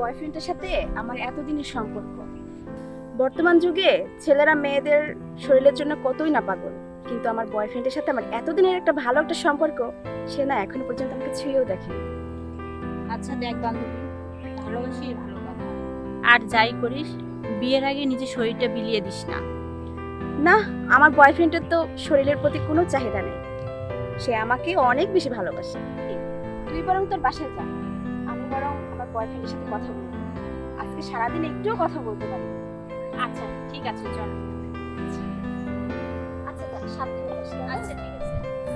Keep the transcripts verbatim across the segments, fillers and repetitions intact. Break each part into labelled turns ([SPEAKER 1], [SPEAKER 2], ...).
[SPEAKER 1] বয়ফ্রেন্ডের সাথে আমার এতদিনের সম্পর্ক। বর্তমান যুগে ছেলেরা মেয়েদের শরীরের জন্য কতই না পাগল, কিন্তু আমার বয়ফ্রেন্ডের সাথে আমার এতদিনের একটা ভালো একটা সম্পর্ক, সে না এখনো পর্যন্ত আমাকে ছুঁয়েও দেখেনি।
[SPEAKER 2] আচ্ছা দেখ বান্ধবী, ভালোবাসি ভালো কথা, আর যাই করিস বিয়ের আগে নিজের শরীরটা বিলিয়ে দিস না।
[SPEAKER 1] না, আমার বয়ফ্রেন্ডের তো শরীরের প্রতি কোনো চাহিদা নেই, সে আমাকে অনেক বেশি ভালোবাসে। তুই বরং তোর বাসায় যা, আমি বরং আমার বয়ফ্রেন্ডের সাথে কথা বলবো। আজকে সারাদিন একটুও কথা বলতে পারি।
[SPEAKER 2] আচ্ছা ঠিক আছে, চল।
[SPEAKER 1] আচ্ছা যা, সাবধানে যাস।
[SPEAKER 2] আচ্ছা ঠিক আছে।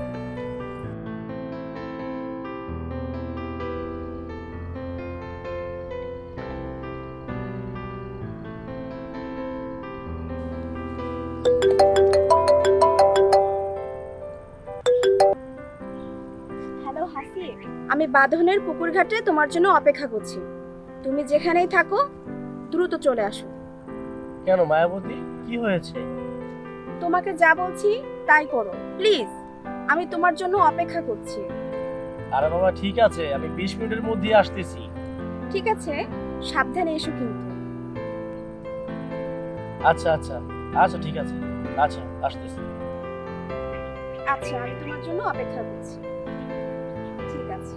[SPEAKER 1] হ্যালো হাসিব, আমি বাঁধনের পুকুর ঘাটে তোমার জন্য অপেক্ষা করছি। তুমি যেখানেই থাকো দ্রুত চলে আসো।
[SPEAKER 3] কেন মায়াবতী, কি হয়েছে?
[SPEAKER 1] তোমাকে যা বলছি তাই করো প্লিজ, আমি তোমার জন্য অপেক্ষা করছি।
[SPEAKER 3] আরে বাবা ঠিক আছে, আমি বিশ মিনিটের মধ্যে আসতেছি।
[SPEAKER 1] ঠিক আছে, সাবধানে এসো কিন্তু।
[SPEAKER 3] আচ্ছা আচ্ছা আচ্ছা ঠিক আছে, আচ্ছা আসতেছি।
[SPEAKER 1] আচ্ছা, আমি তোমার জন্য অপেক্ষা করছি। ঠিক আছে।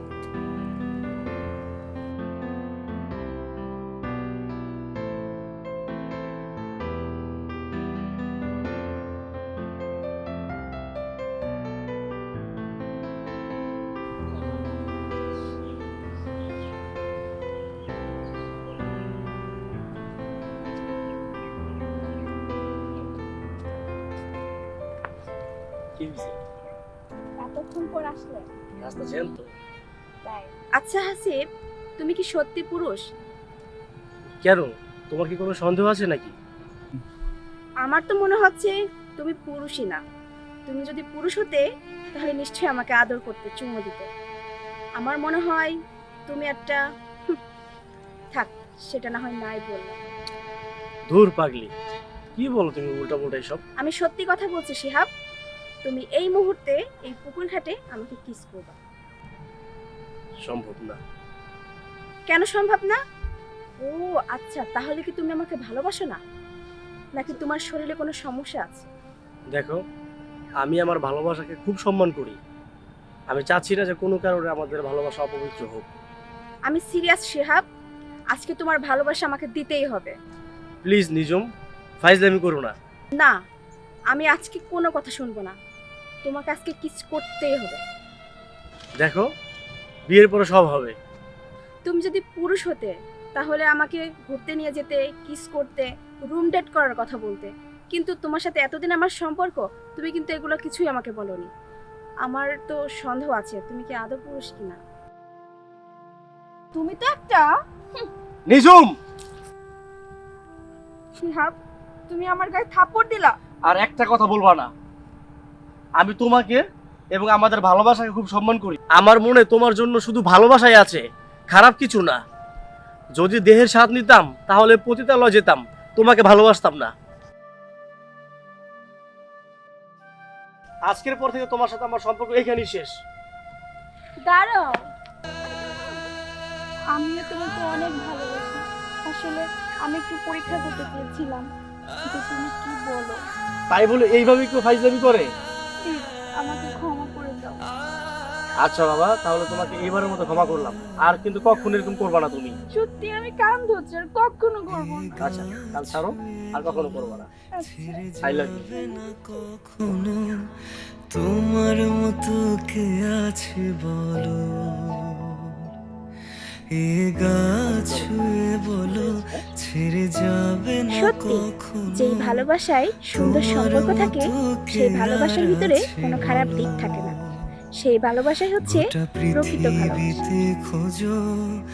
[SPEAKER 3] কি হয়েছে?
[SPEAKER 1] এতক্ষণ পর আসলে?
[SPEAKER 3] রাস্তা জ্যাম তো।
[SPEAKER 1] তাই? আচ্ছা হাসিব, তুমি কি সত্যি পুরুষ?
[SPEAKER 3] কেন, তোমার কি কোনো সন্দেহ আছে নাকি?
[SPEAKER 1] আমার তো মনে হচ্ছে তুমি পুরুষই না। তুমি যদি পুরুষ হতে তাহলে নিশ্চয়ই আমাকে আদর করতে, চুমু দিতে। আমার মনে হয় তুমি একটা হুঁ, থাক, সেটা না হয় নাই বললাম।
[SPEAKER 3] ধুর পাগলি, কি বলো তুমি উল্টা পুল্টা সব?
[SPEAKER 1] আমি সত্যি কথা বলছি শিহাব, তুমি এই মুহূর্তে এই পুকুর ঘাটে আমাকে কিস করবা।
[SPEAKER 3] সম্ভব না।
[SPEAKER 1] কেন সম্ভব না? ও আচ্ছা, তাহলে কি তুমি আমাকে ভালোবাসো না, নাকি তোমার শরীরে কোনো সমস্যা আছে?
[SPEAKER 3] দেখো, আমি আমার ভালোবাসাকে খুব সম্মান করি। আমি চাচ্ছি না যে কোনো কারণে আমাদের ভালোবাসা অপবিত্র হোক।
[SPEAKER 1] আমি সিরিয়াস শিহাব, আজকে তোমার ভালোবাসা আমাকে দিতেই হবে।
[SPEAKER 3] প্লিজ নিজম, ফাইজলামি করো না।
[SPEAKER 1] না, আমি আজকে কোনো কথা শুনবো না, তোমাকে আজকে কিস করতেই হবে।
[SPEAKER 3] দেখো, বিয়ের পরে সব হবে।
[SPEAKER 1] তুমি যদি পুরুষ হতে তাহলে আমাকে ঘুরতে নিয়ে যেতে, কিস করতে, রুম ডেট করার কথা বলতে, কিন্তু তোমার সাথে এতদিন আমার সম্পর্ক, তুমি কিন্তু এগুলো কিছুই আমাকে বলোনি। আমার তো সন্দেহ আছে তুমি কি আদৌ পুরুষ কিনা। তুমি তো একটা
[SPEAKER 3] নিজম,
[SPEAKER 1] শিহাব, তুমি আমার গায়ে থাপ্পড় দিলা।
[SPEAKER 3] আর একটা কথা বলবা না। আমি তোমাকে এবং আমাদের ভালোবাসাকে খুব সম্মান করি। আমার মনে তোমার জন্য শুধু ভালোবাসাই আছে, খারাপ কিছু না। যদি দেহের স্বাদ নিতাম তাহলে পতিতালয়ে যেতাম, তোমাকে ভালোবাসতাম না। আজকের পর থেকে তোমার সাথে আমার সম্পর্ক এখানেই শেষ।
[SPEAKER 1] দাঁড়াও, আমিও তোমাকে অনেক ভালোবাসি। আসলে আমি একটু পরীক্ষা করতে চেয়েছিলাম, কিন্তু তুমি কি বলো।
[SPEAKER 3] তাই বলে এইভাবে কেউ ফাইজলামি করে?
[SPEAKER 1] প্লিজ আমাকে ক্ষমা করে দাও।
[SPEAKER 3] আচ্ছা বাবা, তাহলে তোমাকে এইবারের মতো ক্ষমা করলাম, আর কিন্তু কখনো এরকম করবা না তুমি।
[SPEAKER 1] সত্যি আমি কান ধরছি, আর কখনো করবো না।
[SPEAKER 3] আচ্ছা, কাল ছাড়ো, আর কখনো করবা না।
[SPEAKER 1] আচ্ছা।
[SPEAKER 3] I love you.
[SPEAKER 4] কখনো তোমার মতো কে আছে বলো, এ গাছ ছুঁয়ে বলো ছেড়ে যাবে না
[SPEAKER 1] সত্যি,
[SPEAKER 4] কখনো।
[SPEAKER 1] যেই ভালোবাসায় সুন্দর সম্পর্ক থাকে সেই ভালোবাসার ভিতরে কোনো খারাপ দিক থাকে না। সেই ভালোবাসাই হচ্ছে
[SPEAKER 4] গোটা
[SPEAKER 1] প্রকৃত ভালোবাসা।
[SPEAKER 4] পৃথিবীতে খোঁজো